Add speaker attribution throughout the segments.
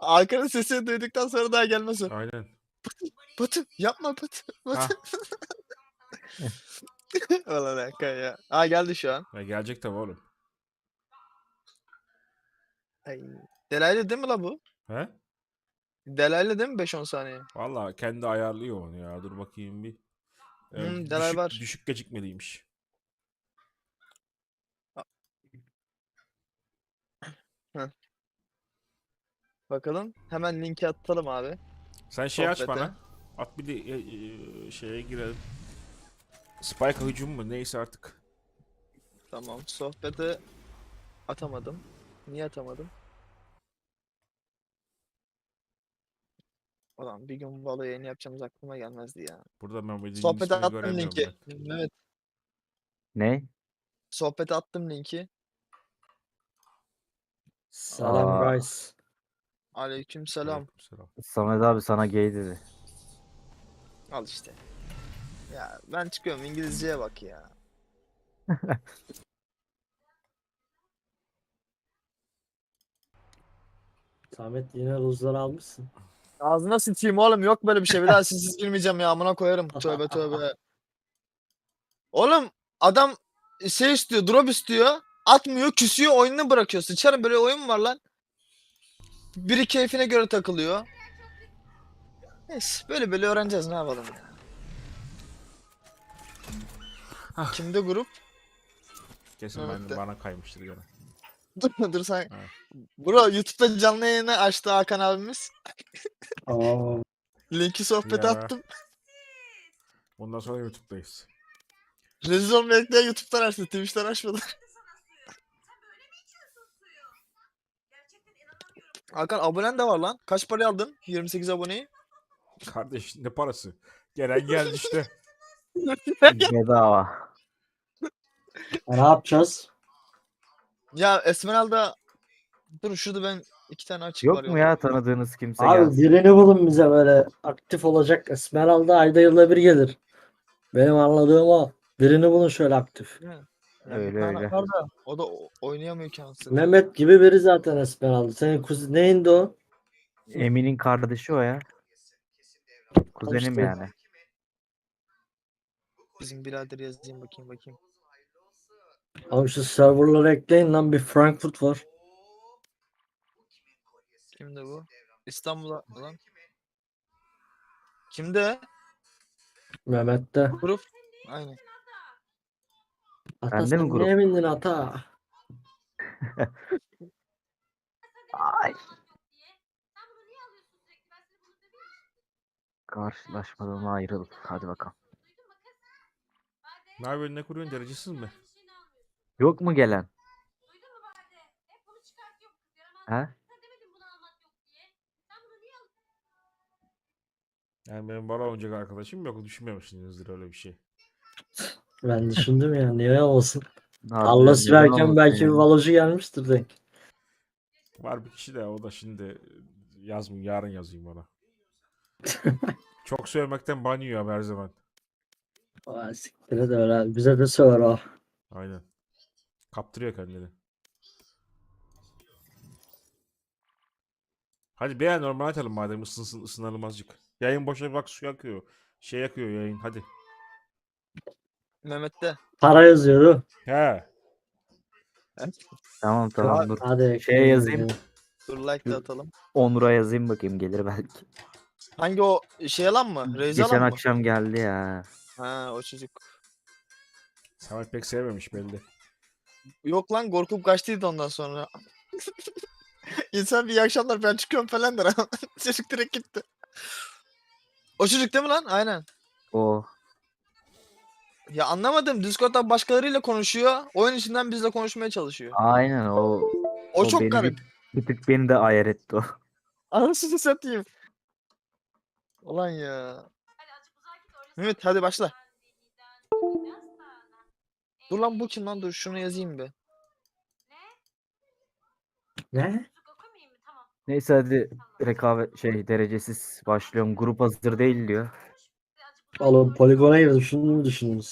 Speaker 1: Arkanın sesini duyduktan sonra daha gelmez o.
Speaker 2: Aynen.
Speaker 1: Batu yapma Batu.
Speaker 2: Ha.
Speaker 1: Batu. Ulan Hakan ya. Aa geldi şu an.
Speaker 2: Ya gelecek tabii oğlum.
Speaker 1: Ay. Delaylı değil mi la bu?
Speaker 2: He?
Speaker 1: Delaylı değil mi 5-10 saniye?
Speaker 2: Valla kendi ayarlıyor onu ya. Dur bakayım bir.
Speaker 1: Delay var.
Speaker 2: Düşük gecikmeliymiş.
Speaker 1: Heh. Bakalım. Hemen linki atalım abi.
Speaker 2: Sen şey aç
Speaker 1: Sohbete.
Speaker 2: bana. At bir de şeye girelim. Spike hücum mu neyse artık.
Speaker 1: Tamam. Sohbete atamadım. Niye atamadım? Ulan bir gün Valo yayını yapacağımız aklıma gelmezdi ya.
Speaker 2: Burada ben Veli'nin
Speaker 1: Sohbete
Speaker 2: ismini
Speaker 1: attım
Speaker 2: göremiyorum
Speaker 1: linki.
Speaker 2: ben.
Speaker 1: Evet.
Speaker 3: Ne?
Speaker 1: Sohbete attım linki.
Speaker 4: Selam
Speaker 3: Aa.
Speaker 4: guys.
Speaker 1: Aleykümselam.
Speaker 2: Aleykümselam.
Speaker 3: Samet abi sana gay dedi.
Speaker 1: Al işte. Ya ben çıkıyorum, İngilizceye bak ya.
Speaker 4: Samet yine ruzları almışsın.
Speaker 1: Ağzına sıçayım oğlum, yok böyle bir şey. Bir daha sizsiz girmeyeceğim ya, amına koyarım. Tövbe tövbe. Oğlum adam şey istiyor, drop istiyor. Atmıyor, küsüyor, oyununu bırakıyor. Sıçarım, böyle oyun mu var lan? Biri keyfine göre takılıyor. Neyse, böyle böyle öğreneceğiz, ne yapalım ya.
Speaker 2: Ah.
Speaker 1: Kimde grup?
Speaker 2: Kesin
Speaker 1: Evet de.
Speaker 2: bana kaymıştır gene.
Speaker 1: Dur sen.
Speaker 2: Evet.
Speaker 1: Bro YouTube'da canlı yayını açtı Hakan abimiz.
Speaker 4: Aa,
Speaker 1: Linki sohbete
Speaker 2: Ya.
Speaker 1: attım.
Speaker 2: Ondan sonra YouTube'dayız.
Speaker 1: Rezil olmayak diye YouTube'dan açtı. Twitch'ten açmadı. Hakan abonen de var lan. Kaç paraya aldın 28 aboneyi?
Speaker 2: Kardeş ne parası? Gelen geldi işte.
Speaker 3: Bedava.
Speaker 4: ne yapacağız?
Speaker 1: Ya Esmeralda, dur şurada ben 2 tane açık var
Speaker 3: Yok mu ya tanıdığınız kimse
Speaker 4: Abi
Speaker 3: gelsin?
Speaker 4: birini bulun bize böyle aktif olacak. Esmeralda ayda yılda bir gelir. Benim anladığım o. Birini bulun şöyle aktif.
Speaker 1: Ya
Speaker 3: Öyle
Speaker 1: bir tane
Speaker 3: öyle.
Speaker 1: var da o da oynayamıyor ki anasını.
Speaker 4: Mehmet gibi biri zaten Esmeralda. Senin kuzen neyindi o?
Speaker 3: Emin'in kardeşi o ya. Kuzenim
Speaker 4: İşte.
Speaker 3: yani.
Speaker 1: Bizim birader yazayım, bakayım.
Speaker 4: Abi şu serverları ekleyin lan, bir Frankfurt var.
Speaker 1: Kimde bu? İstanbul'a lan. Kimde?
Speaker 4: Mehmet'te.
Speaker 1: Grup. Aynen.
Speaker 4: Ata
Speaker 3: Bende mi
Speaker 4: sen
Speaker 3: grup?
Speaker 4: neye bindin ata?
Speaker 3: Ay. Karşılaşmadan ayrıl. Hadi bakalım.
Speaker 2: Ne yapıyorsun ne kuruyorsun derecesiz mi?
Speaker 3: Yok mu gelen? He?
Speaker 2: Yani benim bana oynayacak arkadaşım yok. Düşünmemişsinizdir öyle bir şey.
Speaker 4: Ben düşündüm ya, niye olmasın.
Speaker 3: Harbiden
Speaker 4: Allah
Speaker 3: neden
Speaker 4: sürerken
Speaker 3: olmasın
Speaker 4: belki bir
Speaker 3: yani?
Speaker 4: valocu gelmiştir denk.
Speaker 2: Var bir kişi de o da şimdi yazmayayım. Yarın yazayım ona. Çok söylemekten banıyor her zaman.
Speaker 4: Aa, siktir de öyle. Bize de söver o.
Speaker 2: Aynen. Kaptırıyor kendini. Hadi bir normal atalım madem ısınalım azıcık. Yayın boşa bak su yakıyor. Şey yakıyor yayın hadi.
Speaker 1: Mehmet'te.
Speaker 4: Para yazıyordu.
Speaker 2: He.
Speaker 3: Tamam tamam dur.
Speaker 4: Hadi
Speaker 3: Şeye yazayım.
Speaker 1: Dur like de atalım.
Speaker 3: Onur'a yazayım bakayım gelir belki.
Speaker 1: Hangi o şey alan mı? Reis
Speaker 3: Geçen
Speaker 1: alan mı?
Speaker 3: akşam geldi ya.
Speaker 1: Ha, o çocuk.
Speaker 2: Samet pek sevmemiş belli.
Speaker 1: Yok lan, korkup kaçtıydı ondan sonra. İnsan bir iyi akşamlar ben çıkıyorum falan der ama çocuk direkt gitti. O çocuk değil mi lan? Aynen.
Speaker 3: O.
Speaker 1: Ya anlamadım. Discord'dan başkalarıyla konuşuyor. Oyun içinden bizle konuşmaya çalışıyor.
Speaker 3: Aynen o.
Speaker 1: O çok
Speaker 3: beni
Speaker 1: garip.
Speaker 3: bir tık beni de ayar etti o.
Speaker 1: Anasını satayım. Ulan ya. Mehmet hadi başla. Dur lan, bu kim lan? Dur şunu yazayım bir.
Speaker 4: Ne?
Speaker 3: Neyse hadi rekabet derecesiz başlıyorum. Grup hazır değil diyor.
Speaker 4: Oğlum poligona girdim. Şunu mu düşündünüz?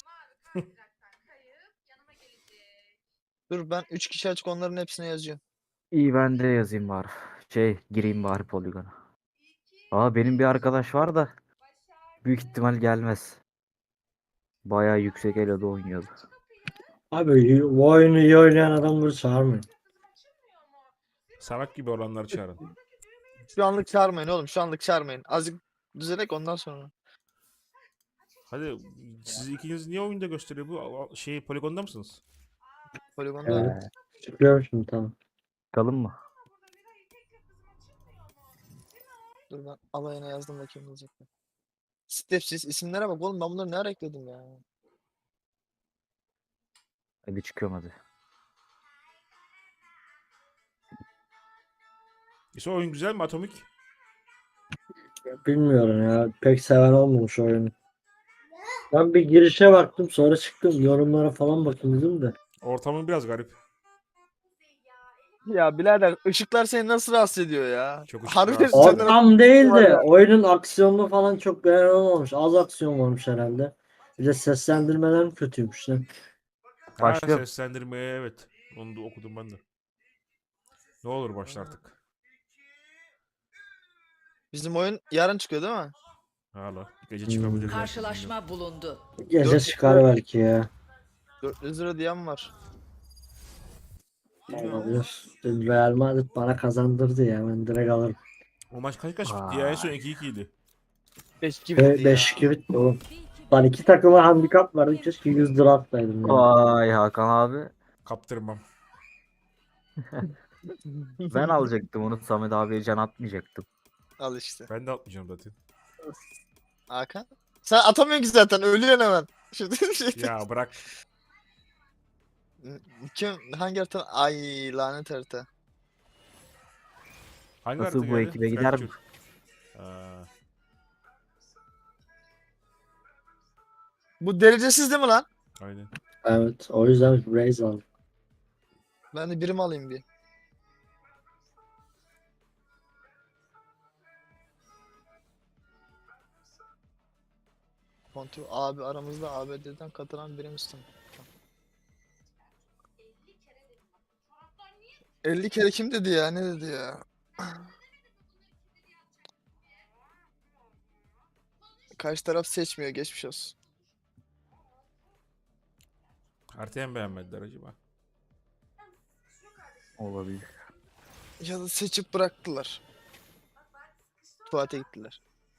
Speaker 1: Dur ben 3 kişi açık, onların hepsine yazıyorum.
Speaker 3: İyi ben de yazayım var. Gireyim bari poligona. Benim bir arkadaş var da büyük ihtimal gelmez. Bayağı yüksek elo'da oynuyordu.
Speaker 4: Abi bu oyunu iyi oynayan adamları çağırmayın.
Speaker 2: Salak gibi olanları çağırın.
Speaker 1: Şu anlık çağırmayın oğlum. Şu anlık çağırmayın. Azıcık düzelek ondan sonra.
Speaker 2: Hadi siz ikiniz niye oyunda gösteriyor bu? Poligonda mısınız?
Speaker 1: Poligonda.
Speaker 4: Evet. Çıkıyorum şimdi tamam.
Speaker 3: Bakalım mı?
Speaker 1: Dur ben alayına yazdım bakayım diyecektim. Stepsiz isimlere bak oğlum, ben bunları ne ara ekledim ya.
Speaker 3: Hadi çıkıyorum hadi.
Speaker 2: İşte oyun güzel mi Atomik?
Speaker 4: Bilmiyorum ya. Pek seven olmamış oyunu. Ben bir girişe baktım sonra çıktım. Yorumlara falan bakayım dedim de.
Speaker 2: Ortamın biraz garip.
Speaker 1: Ya birader ışıklar seni nasıl rahatsız ediyor ya?
Speaker 2: Çok ışık
Speaker 1: Harbi
Speaker 2: rahatsız
Speaker 1: senden-
Speaker 2: ediyor.
Speaker 4: Tam değil
Speaker 1: var
Speaker 4: de
Speaker 1: ya.
Speaker 4: oyunun aksiyonunu falan çok beğenen olmamış. Az aksiyon varmış herhalde. Bir de seslendirmeler mi kötüymüş lan?
Speaker 2: Ha,
Speaker 3: Başlıyorum.
Speaker 2: seslendirmeye evet. Onu da okudum ben de. Ne olur başla artık.
Speaker 1: Bizim oyun yarın çıkıyor değil mi?
Speaker 2: Hala. Gece çıkabilir. belki,
Speaker 5: Karşılaşma bulundu.
Speaker 4: Gece
Speaker 1: Dört-
Speaker 4: çıkar belki ya.
Speaker 1: 400 lira diyen var. Bilmiyorum.
Speaker 4: Olabilir. Dün Real Madrid bana kazandırdı ya. Ben direkt alırım.
Speaker 2: bilmiyorum. O maç kaç bitti ya? En son 2-2 idi.
Speaker 1: 5-2 bitti ya.
Speaker 4: 5-2 bitti oğlum. Lan iki takıma handikap vardı. Keşke 100 lira atsaydım ya.
Speaker 3: Vay Hakan abi.
Speaker 2: Kaptırmam.
Speaker 3: Ben alacaktım onu, Samet abiye can atmayacaktım.
Speaker 1: Al işte.
Speaker 2: Ben de atmayacağım zaten.
Speaker 1: Hakan. Sen atamıyorsun ki zaten, ölüyorsun hemen. Şimdi
Speaker 2: Ya bırak.
Speaker 1: hangi harita? Ay lanet harita.
Speaker 2: Hangi
Speaker 3: Nasıl
Speaker 2: harita
Speaker 3: bu
Speaker 2: geldi?
Speaker 3: ekibe gider mi?
Speaker 2: Fracture. Aa,
Speaker 1: Bu derecesiz değil mi lan?
Speaker 2: aynen.
Speaker 4: Evet. O yüzden Raze aldım.
Speaker 1: Ben de birim alayım bir. Kontrol abi aramızda ABD'den katılan birim istedim. 50 kere kim dedi ya? Ne dedi ya? Karşı taraf seçmiyor, geçmiş olsun.
Speaker 2: Haritayı mı beğenmediler acaba?
Speaker 3: Olabilir.
Speaker 1: Ya da seçip bıraktılar. Tuvalete gittiler.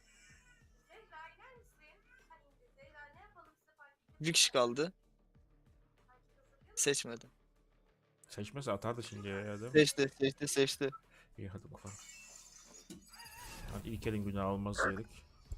Speaker 1: Bir kişi kaldı. Seçmedi.
Speaker 2: Seçmese atardı şimdi ya değil mi?
Speaker 1: Seçti.
Speaker 2: İyi hadi bakalım. Hadi ilk elin günahı olmaz diyerek.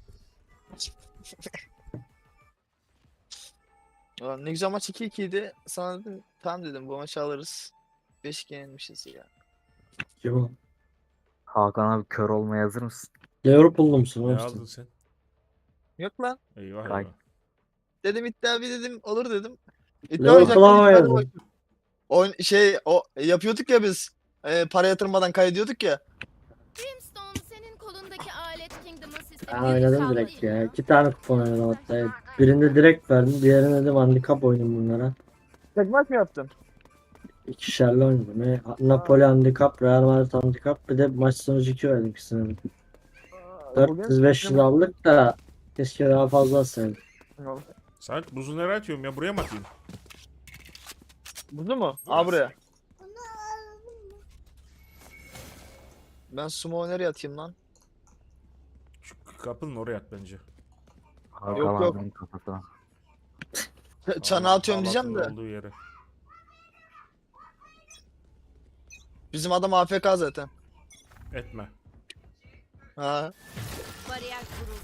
Speaker 1: Ulan ne güzel maç 2-2 idi. Sana dedim, tamam dedim bu maçı alırız. 5-2 yenilmişiz ya.
Speaker 4: Kim o?
Speaker 3: Hakan abi kör olmaya hazır mısın?
Speaker 4: Liverpool'lu musun
Speaker 2: Ne
Speaker 4: oğlum
Speaker 2: aldın
Speaker 4: sen?
Speaker 2: sen?
Speaker 1: Yok lan.
Speaker 2: Eyvah
Speaker 3: Kay.
Speaker 2: eyvah.
Speaker 1: Dedim iddia bir dedim olur dedim. İddia
Speaker 4: Liverpool'a mı
Speaker 1: oynayacaktık.
Speaker 4: oynadın?
Speaker 1: O yapıyorduk ya biz. Para yatırmadan kaydediyorduk ya.
Speaker 6: Brimstone senin kolundaki alet Kingdom'ın
Speaker 4: Ben
Speaker 6: sistemi
Speaker 4: oynadım direkt ya. 2 tane kupon oynadım hatta. Birinde direkt verdim. Diğerine dedim handikap oynayayım bunlara.
Speaker 1: Tek maç mı yaptın?
Speaker 4: İkişerli oynadım. Napoli handikap, Real Madrid handikap. Bir de maç sonucu 2 oynadım ikisini. 400-500 aldık da keşke daha fazla atsaydım.
Speaker 2: Saat buzu nereye atıyorum ya? Buraya mı atayım?
Speaker 1: Buzu mu? Aa buraya. Ben sumo nereye atayım lan?
Speaker 2: Şu kapının oraya at bence.
Speaker 3: Hakan
Speaker 1: Yok.
Speaker 3: abinin kafasına.
Speaker 1: Çana atıyorum diyeceğim de.
Speaker 2: Halatın olduğu yere.
Speaker 1: Bizim adam AFK zaten.
Speaker 2: Etme.
Speaker 1: Ha.
Speaker 6: Bariyer kuruldu.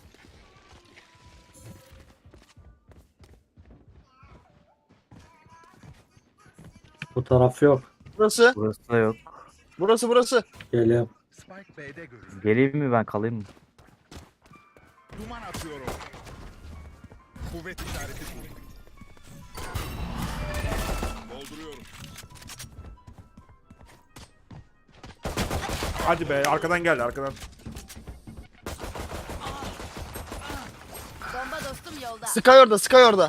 Speaker 4: Bu taraf yok.
Speaker 1: Burası.
Speaker 3: Burası da yok.
Speaker 1: Burası.
Speaker 4: Geliyorum.
Speaker 7: Spike B'de görüldü.
Speaker 3: Geleyim mi ben, kalayım mı?
Speaker 7: Duman atıyorum. Kuvvet işareti bu. Dolduruyorum.
Speaker 2: Hadi be arkadan geldi arkadan.
Speaker 6: Bomba dostum yolda.
Speaker 1: Sky orada.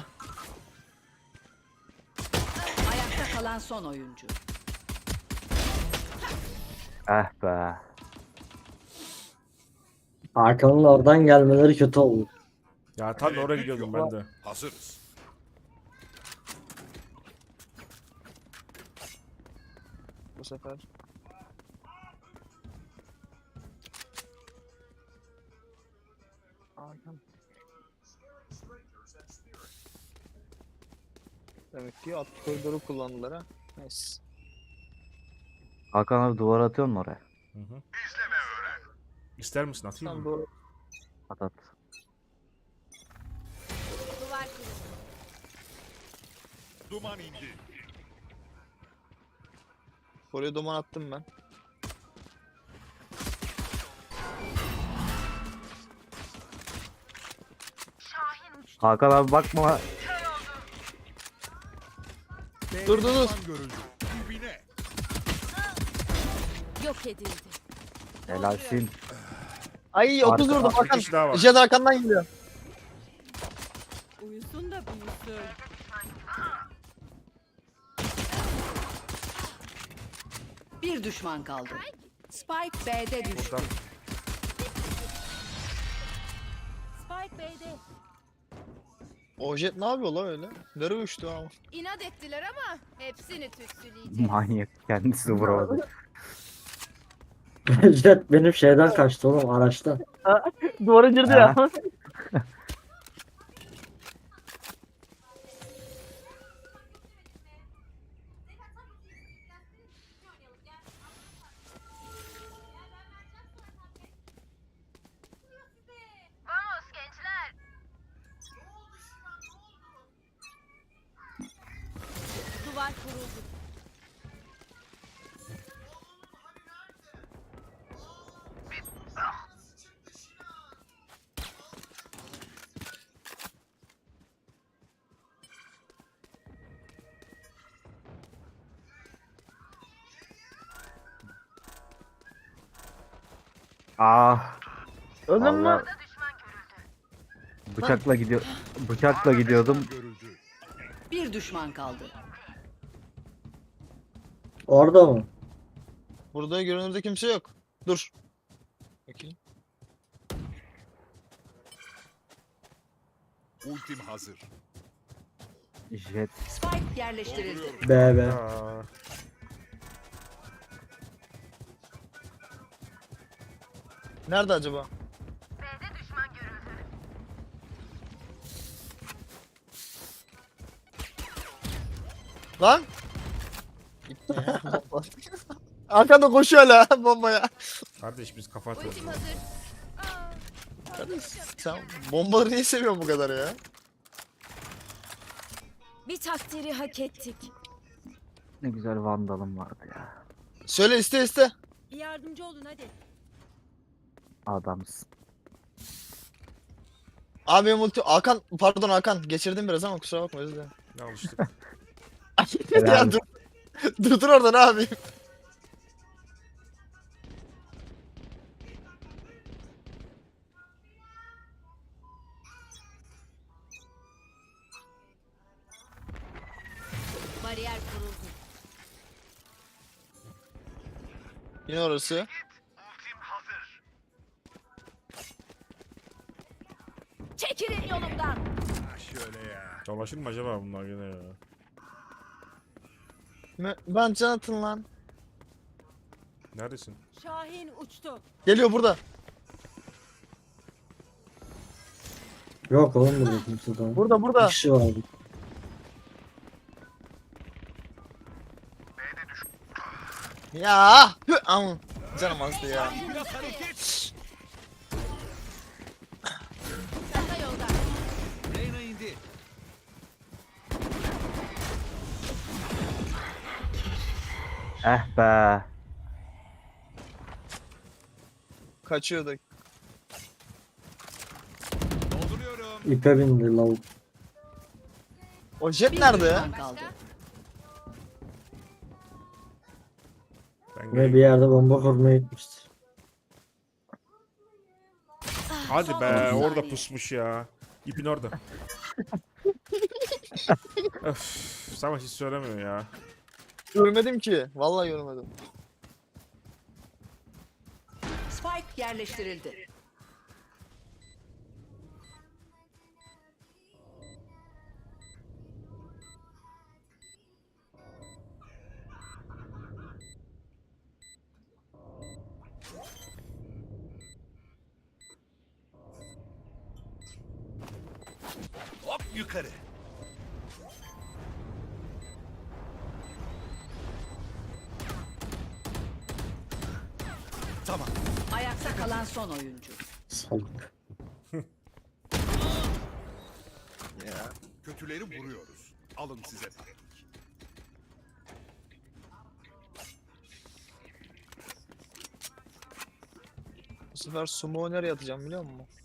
Speaker 5: Ayakta kalan son oyuncu.
Speaker 3: Eh be.
Speaker 4: Hakan'ın oradan gelmeleri kötü oldu.
Speaker 2: Ya tam da oraya gidiyordum ben de.
Speaker 7: Hazırız.
Speaker 1: Bu sefer. Hakan. Demek ki alt koridoru kullandılar ha. Neyse.
Speaker 3: Hakan abi duvar atıyor mu oraya?
Speaker 2: Hı hı. İster misin atayım
Speaker 1: Tamam
Speaker 2: mı?
Speaker 1: doğru.
Speaker 3: At at.
Speaker 6: Duvar kuruldu.
Speaker 7: Duman indi.
Speaker 1: Oraya duman attım ben.
Speaker 3: Hakan abi bakma.
Speaker 1: Dur, dur, dur.
Speaker 7: Düşman görüldü. Dibine.
Speaker 6: Yok edildi.
Speaker 3: Helalsin.
Speaker 1: Ay 30
Speaker 3: Arka-
Speaker 1: vurdum
Speaker 2: Bir
Speaker 1: Hakan.
Speaker 2: kişi daha var.
Speaker 1: Jet arkandan geliyor.
Speaker 6: Uyusun da büyüsün.
Speaker 5: Bir düşman kaldı. Spike B'de düştü.
Speaker 2: Buradan.
Speaker 6: Spike B'de.
Speaker 1: O jet ne yapıyor lan öyle? Nereye uçtu ama?
Speaker 6: İnat ettiler ama hepsini tütsüleyeceğim.
Speaker 3: Manyak. Kendisi vuramadı.
Speaker 4: Jet benim şeyden kaçtı oğlum araçtan.
Speaker 1: Duvara girdi
Speaker 3: ya.
Speaker 6: Duvar kuruldu.
Speaker 3: Ah.
Speaker 1: Öldün mü?
Speaker 3: Vallahi bıçakla gidiyor. Bıçakla gidiyordum.
Speaker 7: Görüldü.
Speaker 5: Bir düşman kaldı.
Speaker 4: Orada mı?
Speaker 1: Burada görünürde kimse yok. Dur. Bakayım.
Speaker 7: Ultim hazır.
Speaker 3: Jet.
Speaker 5: Spike yerleştirildi.
Speaker 7: Dolduruyorum.
Speaker 4: B.
Speaker 2: Aa,
Speaker 1: Nerede acaba? Lan! Gitti ya. Bomba. Arkada koşuyor hala bombaya.
Speaker 2: kardeş biz kafa atıyoruz.
Speaker 6: Ultim hazır. Aa,
Speaker 1: Kardeş, sen bombaları niye seviyorsun bu kadar ya?
Speaker 6: bir takdiri hak ettik.
Speaker 3: Ne güzel vandalım vardı ya.
Speaker 1: Söyle iste.
Speaker 6: Bir yardımcı olun hadi.
Speaker 3: Adamsın.
Speaker 1: Abi benim ulti... Hakan pardon Hakan geçirdim biraz ama kusura bakma özür dilerim.
Speaker 2: Ne alıştık.
Speaker 1: Ya dur. Dur orada ne yapayım?
Speaker 6: Bariyer kuruldu.
Speaker 1: Yine orası.
Speaker 6: Çekilin yolumdan.
Speaker 7: Ha şöyle ya.
Speaker 2: Dolaşır mı acaba bunlar gene ya?
Speaker 1: Ben can atın lan.
Speaker 2: Neredesin?
Speaker 6: Şahin uçtu.
Speaker 1: Geliyor burada.
Speaker 4: Yok oğlum burada kimse daha.
Speaker 1: Burada
Speaker 4: Bir
Speaker 1: burada.
Speaker 4: kişi vardı.
Speaker 1: Ya. Hü, aman. Canım azdı ya.
Speaker 7: Biraz hareket.
Speaker 6: Çanta yolda.
Speaker 7: Reyna indi.
Speaker 3: Eh be.
Speaker 1: Kaçıyordu.
Speaker 7: Dolduruyorum.
Speaker 4: İpe bindi lavuk.
Speaker 1: O jet
Speaker 5: Bir
Speaker 1: nerede
Speaker 5: düşman
Speaker 1: ya?
Speaker 5: kaldı.
Speaker 2: Ben
Speaker 4: Ve
Speaker 2: geleyim.
Speaker 4: bir yerde bomba kurmaya gitmiştir.
Speaker 2: Hadi
Speaker 5: Son
Speaker 2: be
Speaker 5: 30
Speaker 2: orada
Speaker 5: saniye.
Speaker 2: pusmuş ya. İpin orada. Öf, Savaş hiç söylemiyor ya.
Speaker 1: Görmedim ki. Vallahi görmedim.
Speaker 5: Spike yerleştirildi.
Speaker 7: Hop yukarı. Tamam.
Speaker 5: Ayakta kalan son oyuncu.
Speaker 4: Salak.
Speaker 1: Ya.
Speaker 7: Kötüleri vuruyoruz. Alın size taktik.
Speaker 1: Bu sefer sumo nereye atacağım biliyor musun?